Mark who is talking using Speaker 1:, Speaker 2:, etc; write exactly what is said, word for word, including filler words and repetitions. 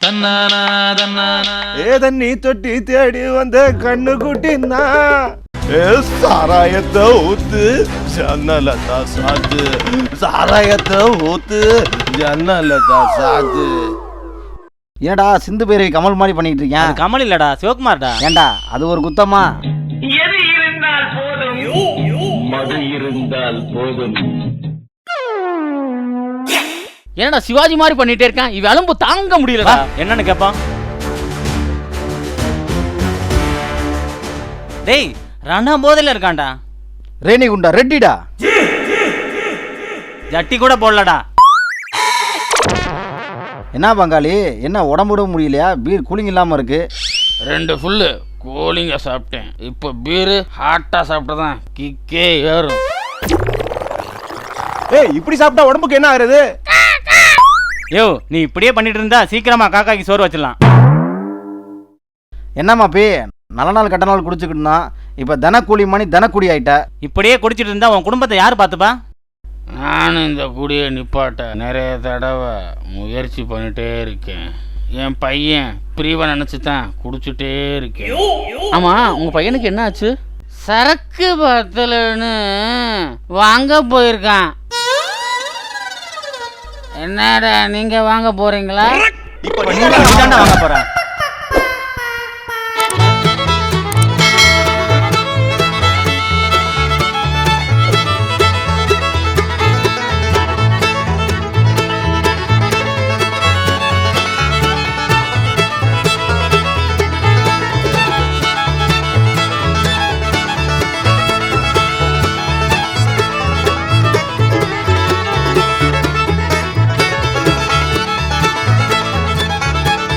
Speaker 1: தன்னானா தன்னானா
Speaker 2: ஏ தண்ணி தொட்டி தேடி வந்த கண்ணு குட்டினா ஏ சாராயத்தை ஊத்து ஜன்னலதா சாத்து சாராயத்தை ஊத்து ஜன்னலதா சாத்து.
Speaker 3: ஏடா சிந்து பேரை கமல் மாதிரி பண்ணிட்டு இருக்கேன்.
Speaker 4: கமல் இல்லடா சிவகுமார்டா.
Speaker 3: ஏண்டா அது ஒரு குத்தமா?
Speaker 5: எது இருந்தால் போதும், மது இருந்தால் போதும்.
Speaker 4: என்னடா சிவாஜி மாதிரி பண்ணிட்டே இருக்கான். இவ அலும்பு தாங்க முடியலடா. என்னன்னு கேப்பான். டேய் ரணா போதையில இருக்கான்டா.
Speaker 3: ரேணி குண்டா ரெட்டிடா.
Speaker 4: ஜட்டி கூட போடலடா.
Speaker 3: என்ன பங்காளி என்ன உடம்புட முடியலையா? பீர் கூலிங் இல்லாம இருக்கு.
Speaker 6: ரெண்டு ஃபுல்லு கூலிங்க சாப்பிட்டேன். இப்போ பீரு ஹாட்டா சாப்பிட்டதான் கிக்கே ஏறும்.
Speaker 2: ஏய் இப்படி சாப்பிட்டா உடம்புக்கு என்ன ஆகுறது?
Speaker 4: யோ நீ இப்படியே பண்ணிட்டு இருந்தா சீக்கிரமா காக்காக்கு சோறு வச்சிடலாம்.
Speaker 3: என்னம்மா பே நல்ல நாள் கட்ட நாள் குடிச்சுக்கிட்டுனா இப்போ தனக்கூலி மணி தனக்குடி ஆயிட்ட.
Speaker 4: இப்படியே குடிச்சிட்டு இருந்தா உன் குடும்பத்தை யாரு பார்த்துப்பா?
Speaker 6: நானும் இந்த குடியை நிப்பாட்ட நிறைய தடவை முயற்சி பண்ணிட்டே இருக்கேன். என் பையன் பிரிவை நினச்சி தான் குடிச்சுட்டே இருக்கேன். ஆமாம் உங்கள் பையனுக்கு என்ன ஆச்சு? சரக்கு பத்தலன்னு வாங்க போயிருக்கான். என்னடா நீங்கள் வாங்க போகிறீங்களா?
Speaker 4: இப்போ நீ தான்டா வாங்க போற.